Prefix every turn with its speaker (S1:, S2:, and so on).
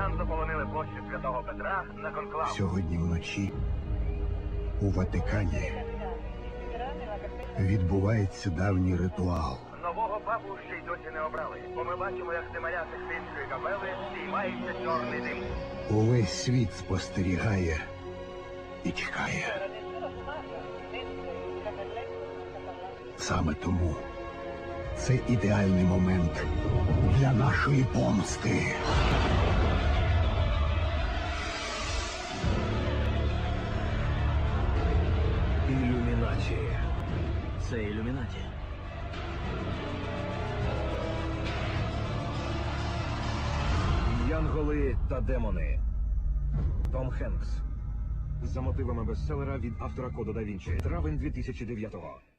S1: росіян заполонили площу Святого Петра на конклав.
S2: Сьогодні вночі у Ватикані відбувається давній ритуал.
S1: Нового папу ще й досі не обрали, бо ми бачимо, як Семаря Сикстинської капели здіймається чорний дим.
S2: Увесь світ спостерігає і чекає. Саме тому це ідеальний момент для нашої помсти.
S3: Ілюмінаті. Це ілюмінаті.
S4: Янголи та демони. Том Хенкс. За мотивами бестселера від автора Кода да Вінчі. Травень 2009-го.